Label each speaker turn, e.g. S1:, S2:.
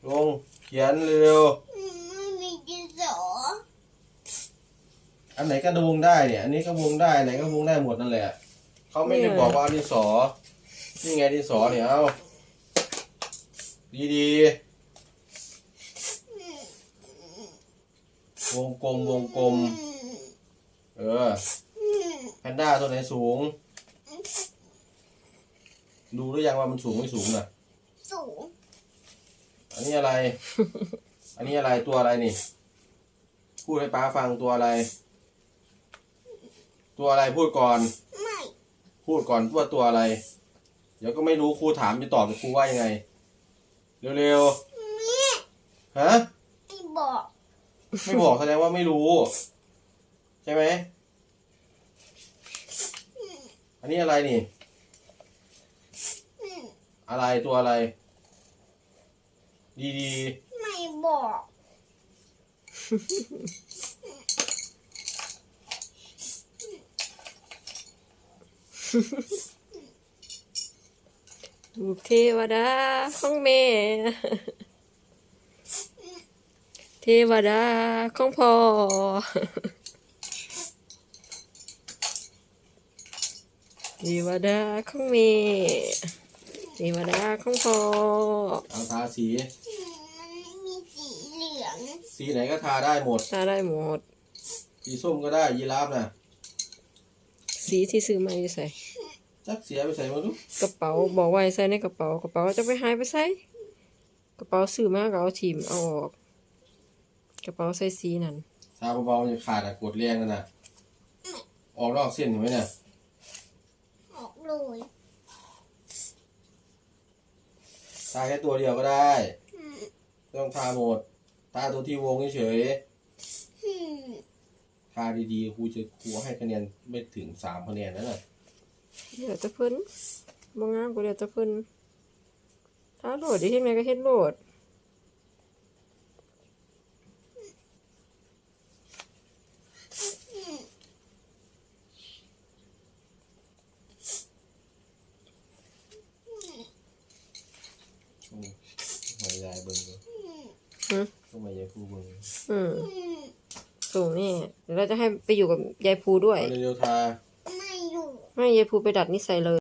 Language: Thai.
S1: ลงเขียนเร็ว
S2: ไม่มีดินสอ
S1: อันไหนก็วงได้เนี่ยอันนี้ก็วงได้ไหนก็วงได้หมดนั่นแหละเขาไม่ได้บอกว่าดินสอนี่ไงดินสอเนี่ยเอาดีๆวงกลมแพนด้าตัวไหนสูงดูหรือยังว่ามันสูงไม่สูงน่ะ
S2: สูง
S1: อันนี้อะไร อันนี้อะไรตัวอะไรนี่พูดให้ป้าฟังตัวอะไรพูดก่อน
S2: ไม่
S1: พูดก่อนว่าตัวอะไรเดี๋ยวก็ไม่รู้ครูถามจะตอบครูว่ายังไงเร็วๆฮะ
S2: ไม่บอก
S1: ไม่บอกแสดงว่าไม่รู้ใช่ไหมอันนี้อะไรนี่อะไรตัวอะไรดี
S2: ไม่บอก
S3: ลูกเทวดาของแม่เทวดาของพ่อเทวดาของแม่เทวดาของพ่อ
S1: เอาทาสี
S2: มันไม่มีสีเหลือง
S1: สีไหนก็ทาได้หมด
S3: ทาได้หมด
S1: สีส้มก็ได้ยีราฟน่ะ
S3: สีที่ซื้อมาอยู่ใส่
S1: จักเสียไปใส่มาดู
S3: กระเป๋าบอกไว้ใส่ในกระเป๋าจะไปหายไปใส่กระเป๋าซื้อมาก็เอาถิ่มเอาออกกระเป๋าใส่สีนั่น
S1: ทาเบาๆจะขาดกดแรงนั่นน่ะออกนอกเส้นเห็นไหมเนี่ย
S2: ออกเลย
S1: ทาแค่ตัวเดียวก็ได้ต้องทาหมดทาตัวที่วงเฉยทาดีๆครูให้คะแนนไม่ถึง3 คะแนนนั่นน่ะ
S3: เดี๋ยวจะเพิ่นบ่งามก็เดี๋ยวจะเพิ่นถ้าโหลดได้เฮ็ดไงก็เฮ็ดโหลด
S1: มายายเบิ่งเลยต้องมายายครูเบิ่ง
S3: สูงนี่เดี๋ยวเราจะให้ไปอยู่กับยายภูด้วย
S1: เร็วๆทา
S2: ไม่อยู่
S3: ให้ยายภูไปดัดนิสัยเลย